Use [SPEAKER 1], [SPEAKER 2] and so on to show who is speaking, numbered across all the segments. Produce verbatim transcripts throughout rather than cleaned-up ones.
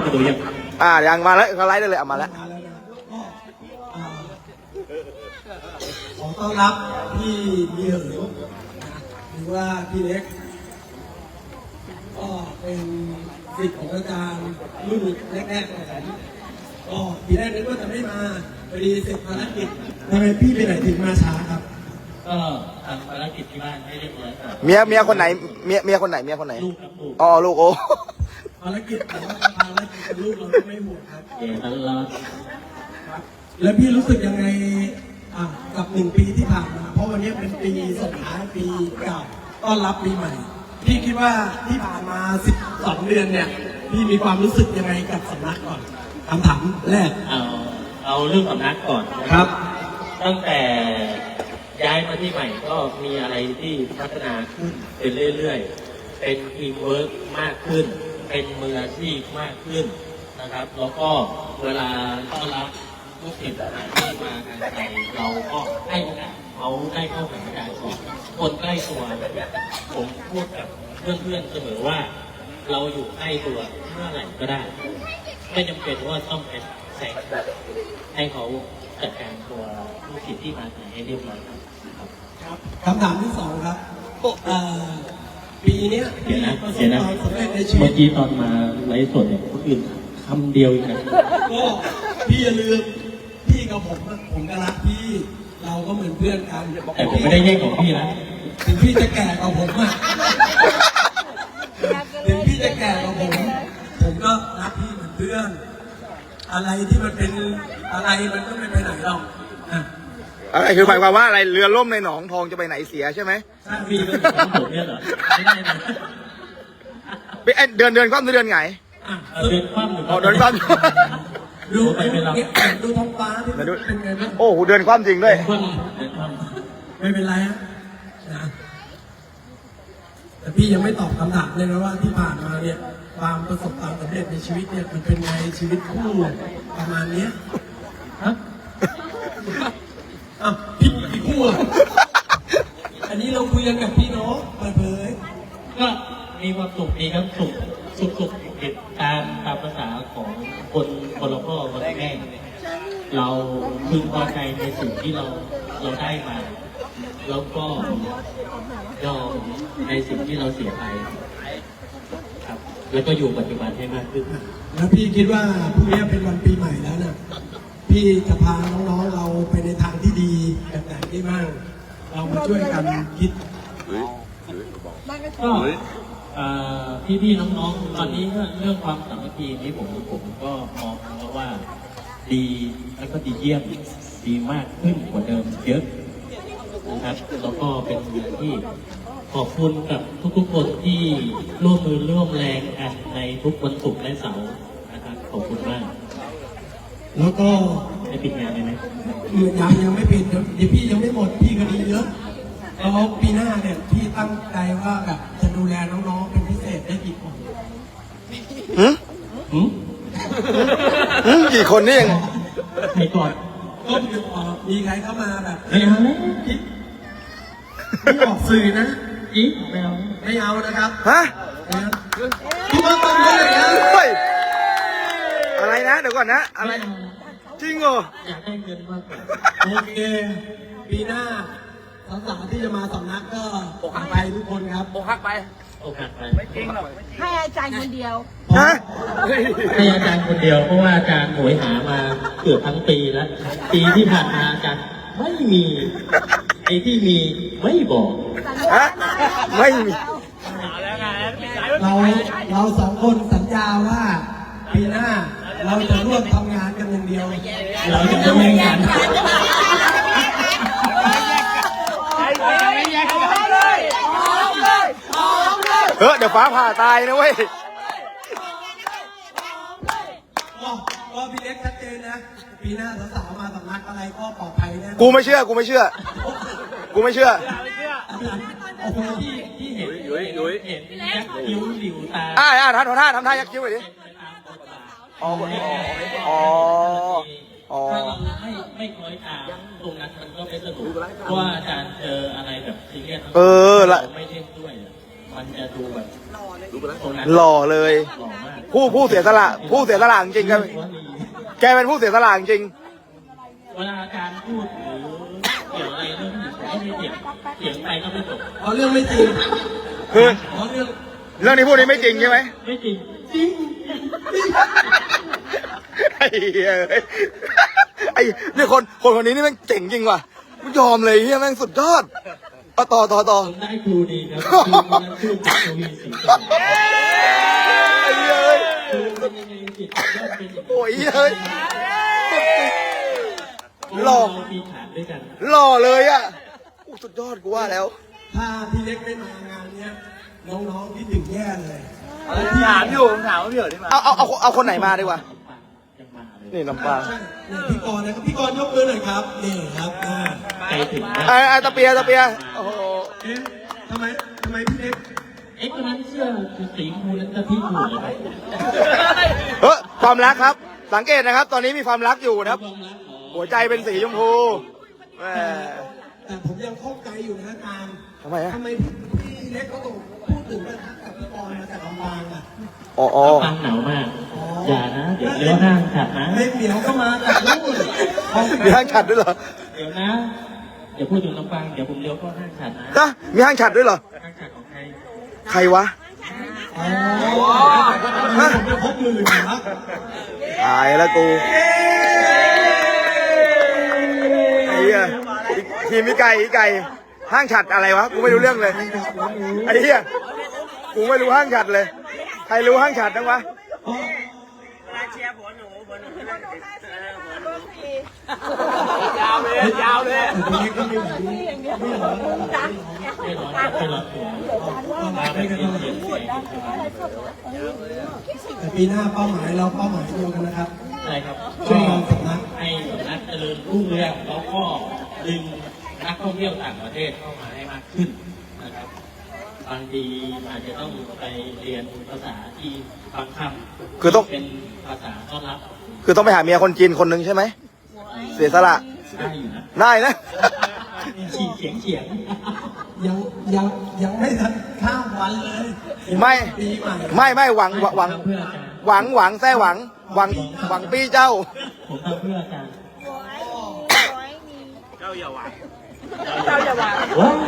[SPEAKER 1] มาดูยัง
[SPEAKER 2] อ่ายังมาแล้วเขาไลฟ์ได้เลยเอามาแล้ว
[SPEAKER 3] ขอต้อนรับพี่เบียร์หรือว่าพี่เล็กก็เป็นศิษย์ของอาจารย์รุ่นแรกๆของผมก็ปีแรกนึกว่าจะไม่มาพอดีเสร็จภารกิจทำไมพี่ไปไหนถึงมาช้าครับ
[SPEAKER 1] ก็ทำภารกิจที่บ้านให้เรียบร้อยครับ
[SPEAKER 2] เมียเมียคนไหนเมียเมียคนไหนเมียคนไหน
[SPEAKER 1] ลูกครับลูก
[SPEAKER 2] อ๋อลูกโอ้
[SPEAKER 3] ภารกิจแต่ว่าภารกิจกับลูกเราก็ไม่หมดครับ
[SPEAKER 1] เดี๋ยวตลอด
[SPEAKER 3] แล้วพี่รู้สึกยังไงกับหนึ่งปีที่ผ่านมาเพราะวันนี้เป็นปีสุดท้ายปีเก่าต้อนรับปีใหม่พี่คิดว่าที่ผ่านมาสิบสองเดือนเนี่ยพี่มีความรู้สึกยังไงกับสำนักก่อนคำถามแรก
[SPEAKER 1] เอาเอาเรื่องสำนักก่อน
[SPEAKER 3] ครับ
[SPEAKER 1] ตั้งแต่ย้ายมาที่ใหม่ก็มีอะไรที่พัฒนาขึ้นเป็นเรื่อยๆเป็นทีมเวิร์กมากขึ้นเป็นมืออาชีพมากขึ้นนะครับแล้วก็เวลาต้อนรับลูกศิษย์ที่มางานไทยเราก็ให้โอกาสเขาได้เข้าหาอาจารย์ก่อนคนใกล้ตัวผมพูดกับเพื่อนๆเสมอว่าเราอยู่ใกล้ตัวเมื่อไหร่ก็ได้ไม่จำเป็นว่าต้องเป็นแสงให้เขาจัดการตัวลูกศิษย์ที่มาให้เรียบร้อยครับ
[SPEAKER 3] คำถามที่สองครับปีนี้
[SPEAKER 1] เดี๋ยวนะเดี๋ยวนะเมื่อกี้ตอนมาไลฟ์สดเนี่ยคนอื่นคำเดียวอีกนะ
[SPEAKER 3] ก็พี่อย่าลืมพี่กับผมผมก็รักพี่เราก็เหมือนเพื่อนกัน
[SPEAKER 1] แต่ผมไม่ได้แย่งของพี่นะ
[SPEAKER 3] ถึงพี่จะแก่กว่าผมอะถึงพี่จะแก่กว่าผมผมก็รักพี่เหมือนเพื่อนอะไรที่มันเป็นอะไรมันก็ไม่ไปไหนหรอก
[SPEAKER 2] อะไรคือหมายความว่าอะไรเรือล่มในหนองทองจะไปไหนเสียใช่ไหม
[SPEAKER 1] ใช่พี่เป็นของผมเนี่ยเหรอไม่ได้นะ
[SPEAKER 2] เดือนเดือนคว่ำเดือนไง
[SPEAKER 1] เดือนคว่ำ
[SPEAKER 2] อ๋อเดือนคว่
[SPEAKER 3] ำดูไปไม่รับดูท้องฟ้าที่เป็นไงบ้าง
[SPEAKER 2] โอ้โหเดือนคว่ำจริงด้วย
[SPEAKER 3] ไม่เป็นไรฮะแต่พี่ยังไม่ตอบคำถามเลยนะว่าที่ผ่านมาเนี่ยความประสบความสำเร็จในชีวิตเนี่ยมันเป็นไงชีวิตคู่ประมาณเนี้ยฮะอ้าวพี่พี่คู่อ่ะอันนี้เราคุยกันกับพี่น้องเปิดเผย
[SPEAKER 1] ก็มีความสุขดีครับสุขสุขสุขติดตามตามภาษาของคนคนละพ่อคนละแม่เราพึงพอใจในสิ่งที่เราเราได้มาแล้วก็ยอมในสิ่งที่เราเสียไปครับแล้วก็อยู่ปัจจุบันให้มากขึ้น
[SPEAKER 3] แล้วพี่คิดว่าพรุ่งนี้เป็นวันปีใหม่แล้วนะพี่จะพาน้องๆเราไปในทางที่ดีแบบไหนได้บ้างเรามาช่วยกันคิด
[SPEAKER 1] ก็พี่ๆน้องๆตอนนี้ก็เรื่องความสามัคคีนี้ผมผมก็มองแล้วว่าดีแล้วก็ดีเยี่ยมดีมากขึ้นกว่าเดิมเยอะนะครับแล้วก็เป็นอย่างที่ขอบคุณกับทุกๆคนที่ร่วมมือร่วมแรงกันในทุกวันศุกร์และเสาร์นะครับขอบคุณมาก
[SPEAKER 3] แล้วก็
[SPEAKER 1] ได้ปิดงานเลยไหม
[SPEAKER 3] ยังยังไม่ปิดเดี๋ยวพี่ยังไม่หมดพี่คดีเยอะแล้วปีหน้าเนี่ยพี่ตั้งใจว่าแบบจะดูแลน้องๆเป็นพิเศษได้กี่คน
[SPEAKER 2] หืมหืมหืมกี่คนนี่ยัง
[SPEAKER 1] ใครก่อน
[SPEAKER 3] ก็มีใครเข้ามาแบบ
[SPEAKER 1] ไม่เอาเลย
[SPEAKER 3] ไม่ออกสื่อนะ
[SPEAKER 1] อีกไม่เอา
[SPEAKER 3] ไม่เอานะครับ
[SPEAKER 2] ฮะ
[SPEAKER 3] พี่มาตั้งเลยนะ
[SPEAKER 2] อะไรนะเดี๋ยวก่อนนะอะไรจริงเหรอ
[SPEAKER 1] อยากได้เงินมากกว่า
[SPEAKER 3] โอเคปีหน้าสาวๆที่จะมาสำนักก็อกหักไปทุกคนครับ
[SPEAKER 2] อกหักไป
[SPEAKER 1] อกหักไป
[SPEAKER 2] ไม่จริงหรอก
[SPEAKER 4] ให้อาจารย์คนเดียว
[SPEAKER 2] ฮะ
[SPEAKER 1] ให้อาจารย์คนเดียวเพราะว่าอาจารย์โหยหามาเกือบทั้งปีแล้วปีที่ผ่านมาอาจารย์ไม่มีไอ้ที่มีไม่บอก
[SPEAKER 2] ฮะไม่มี
[SPEAKER 3] เราเราสองคนสัญญาว่าปีหน้าเราจะร่วมทำงานกันอย่างเดียว
[SPEAKER 1] เราจะร่วมงาน
[SPEAKER 2] เฮ้ยเดี๋ยวฟ้าผ่าตายนะเว้ย
[SPEAKER 3] ก็พี่เล็กชัดเจนนะปีหน้าสาวๆมาสำนักอะไรก็ปลอดภัยแน่
[SPEAKER 2] กูไม่เชื่อกูไม่เชื่อกูไม่เชื่อ
[SPEAKER 3] โอ้โหที่ที่เห็น
[SPEAKER 2] ยุ้ยยุ้ย
[SPEAKER 1] เห็นยักษ์คิ้วหลิวตา
[SPEAKER 2] อ่าอ่าทำท่าทำท่ายักษ์คิ้วไปดิอ๋ออ๋ออ๋อ
[SPEAKER 1] ถ้าเราไม่ไม่คอยตามตรงนั้นมันก็ไม่สนุกเพราะว่าอาจารย์เจออะไรแบบซีเรียส
[SPEAKER 2] เออละ
[SPEAKER 1] ไม่เล่นด้วยมันจะดูแบบ
[SPEAKER 2] หล่อเลย
[SPEAKER 1] หล่อมาก
[SPEAKER 2] ผู้ผู้เสียสละผู้เสียสละจริงๆแกแกเป็นผู้เสียสละจริง
[SPEAKER 1] เวลาอาจารย์พูดหรือเกี่ยวอะไรเรื่องผู้หญิงผมก็ไม่เถียงเถียงไปก็ไม่จบ
[SPEAKER 3] เอาเรื่องไม่จริง
[SPEAKER 2] คือ
[SPEAKER 3] เอาเรื่อง
[SPEAKER 2] เรื่องที่พูดนี้ไม่จริงใช่ไหม
[SPEAKER 1] ไม่จริง
[SPEAKER 3] จริง
[SPEAKER 2] ไอ้เหี้ยเอ้ยไอ้นี่คนคนคนนี้นี่แม่งเจ๋งจริงว่ะไม่ยอมเลยเฮียแม่งสุดยอดเอาต่อต่อต่อ
[SPEAKER 1] ผมได้ครูดีครับครูคนนั้นชื่อทวีศรีจันทร์
[SPEAKER 2] ไอ้เหี้ยเอ้ย
[SPEAKER 1] ครูเป็นยังไงจิตย่อมเป็นอย่างนี้
[SPEAKER 2] โอ้ยเฮ้ยหล่อ
[SPEAKER 1] เรามีฐานด้วยกัน
[SPEAKER 2] หล่อเลยอ่ะอู้สุดยอดกูว่าแล้ว
[SPEAKER 3] ถ้าพี่เล็กไม่มางานเนี้ยน้องๆคิดถึงแย่เลย
[SPEAKER 4] ถามอยู่ผมถามว่าพี่เอ๋ได้มา
[SPEAKER 2] เอาเอาเอาเอาคนไหนมาดีกว่า
[SPEAKER 1] ยังมาเลย
[SPEAKER 2] นี่ลำปาง
[SPEAKER 3] เนี่ยพี่กรณ์นะครับพี่กรณ์ยกมือหน่อยครับนี่ครับอ่า
[SPEAKER 1] ใจถึง
[SPEAKER 2] ไอ้ไอ้ตะเปียตะเปียโอ้โห
[SPEAKER 3] เอ๊ะทำไมทำไมพี่เล็ก
[SPEAKER 1] เอ๊ะคนนั้นเสื้อสีชมพูนั้นจะพี่ถูกหรือเปล่า
[SPEAKER 2] เฮ้ยความรักครับ สังเกตนะครับ ตอนนี้มีความรักอยู่นะครับ
[SPEAKER 1] ความรักเหรอ
[SPEAKER 2] หัวใจเป็นสีชมพูแหม
[SPEAKER 3] แต่ผมยังข้องใจอยู่นะอาจารย์
[SPEAKER 2] ทำไมอะ
[SPEAKER 3] ทำไมพี่เล็กเขาต้องพูดถึงประทักกับพี่กรณ์มาจากลำปางอ่ะ
[SPEAKER 2] อ๋ออ๋อ
[SPEAKER 1] ฟังหนาวมาก อย่านะ เดี๋ยวเลี้ยวห้างขัดนะ
[SPEAKER 3] เล็กเหมียวก็มาจากนู่นเขา
[SPEAKER 2] มีห้างฉัดด้วยเหรอ
[SPEAKER 1] เดี๋ยวนะ เดี๋ยวพูดถึงลำปางเดี๋ยวผมเลี้ยวเข้าห้างขัดนะ
[SPEAKER 2] นะมีห้างฉัดด้วยเหรอ
[SPEAKER 1] ห้างขัดของใคร
[SPEAKER 2] ใครวะ
[SPEAKER 3] อ๋อผมไปพบมือนะครับ
[SPEAKER 2] ตายแล้วกูไอ้เหี้ยทีมพี่ไก่พี่ไก่ห้างฉัดอะไรวะกูไม่รู้เรื่องเลยไอ้เหี้ยกูไม่รู้ห้างฉัดเลย ใครรู้ห้างฉัดบ้างวะ
[SPEAKER 4] ยาวเลยยาวเลย
[SPEAKER 3] พี่เล็กก็ไม่ไหว
[SPEAKER 1] ไม่ร้อนไม่ร้อนตัวมาไม่กันเสียงเสียง
[SPEAKER 3] แต่ปีหน้าเป้าหมายเราเป้าหมายเดียวกันนะครับ
[SPEAKER 1] ใช่ครับ
[SPEAKER 3] ช่วยกันสำนัก
[SPEAKER 1] ให้สำนักเจริญรุ่งเรืองแล้วก็ดึงนักท่องเที่ยวต่างประเทศเข้ามาให้มากขึ้นนะครับ บางทีอาจจะต้องไปเรียนภาษาที่บางคำ
[SPEAKER 2] คือต้อง
[SPEAKER 1] เป็นภาษาต้อนรับ
[SPEAKER 2] คือต้องไปหาเมียคนจีนคนหนึ่งใช่ไหมเสียสละ
[SPEAKER 1] ได้อยู่นะ
[SPEAKER 2] ได้นะ
[SPEAKER 1] ฉีเฉียงเฉียง
[SPEAKER 3] ยังยังยังไม่ทันข้ามวันเลย
[SPEAKER 2] ไม่
[SPEAKER 3] ปีใหม่
[SPEAKER 2] ไม่ไม่หวังหวัง
[SPEAKER 1] เพื่ออาจารย์
[SPEAKER 2] หวังหวังแท้หวังหวังหวังปี้เจ้า
[SPEAKER 1] ผมทำเพื่ออาจารย์
[SPEAKER 4] เจ้าอย่าหวัง
[SPEAKER 1] ว้าว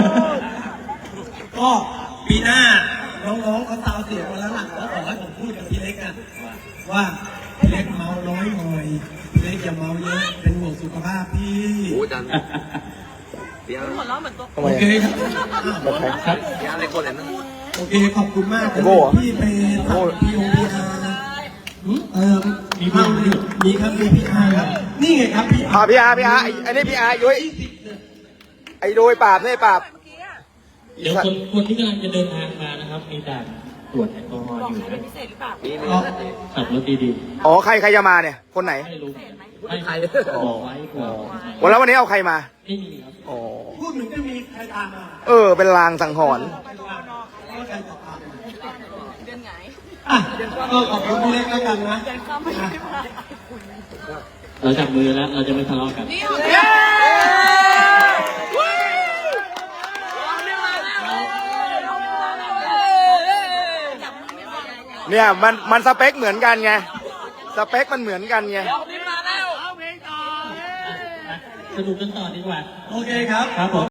[SPEAKER 3] ก็ปีหน้าน้องๆเขาตาวเสียงมาแล้วล่ะแล้วขอให้ผมพูดกับพี่เล็กนะว่าพี่เล็กเมาน้อยหน่อยพี่เล็กอย่าเมาเยอะเป็นห่วงสุขภาพพี่
[SPEAKER 4] โอ้จันเดี๋ยว
[SPEAKER 2] ทำไม
[SPEAKER 3] โอเค
[SPEAKER 2] อะ
[SPEAKER 3] ครับ
[SPEAKER 2] แบบใคร
[SPEAKER 1] ครับ
[SPEAKER 4] เดี๋ยวอะไรคนเลยนะ
[SPEAKER 3] โอเคขอบคุณมาก
[SPEAKER 2] โบ้เหรอ
[SPEAKER 3] พี่ไปทำพีโอพีอาร์นะหืมเออมีพี่มีครับมีพี่อาร์ครับนี่ไงครับพี่
[SPEAKER 2] พาพี่อาร์พี่อาร์ไอ้ไอ้นี่พี่อาร์ยุ้ยไอ้โดยปราบนี่ปราบ
[SPEAKER 1] เดี๋ยวคนคนที่กำลังจะเดินทางมานะครับ มีด่านตรวจแอลกอฮอล์อยู่นะ
[SPEAKER 4] มีมี
[SPEAKER 3] อ๋อ
[SPEAKER 1] ขับรถดี
[SPEAKER 2] อ๋อใครใครจะมาเนี่ย คนไหน
[SPEAKER 1] ๆไม่รู้ไม่ใครบอกไว้เผื่อ
[SPEAKER 2] วันแล้ววันนี้เอาใครมา
[SPEAKER 1] ไม่มีครับ
[SPEAKER 2] อ๋อ
[SPEAKER 3] พูดเหมือนจะมีใครตามมา
[SPEAKER 2] เออ เป็นลางสังหรณ์
[SPEAKER 3] ว่าใครจะตามมาอ่ะก็ขอบคุณพี่เล็กแล้วกันนะ
[SPEAKER 1] เราจับมือแล้ว เราจะไม่ทะเลาะกัน
[SPEAKER 2] เนี่ยมันมันสเปคเหมือนกันไง สเปคมันเหมือนกันไง
[SPEAKER 1] สนุกกันต่อดีกว่า
[SPEAKER 3] โอเคครับ
[SPEAKER 1] ครับผม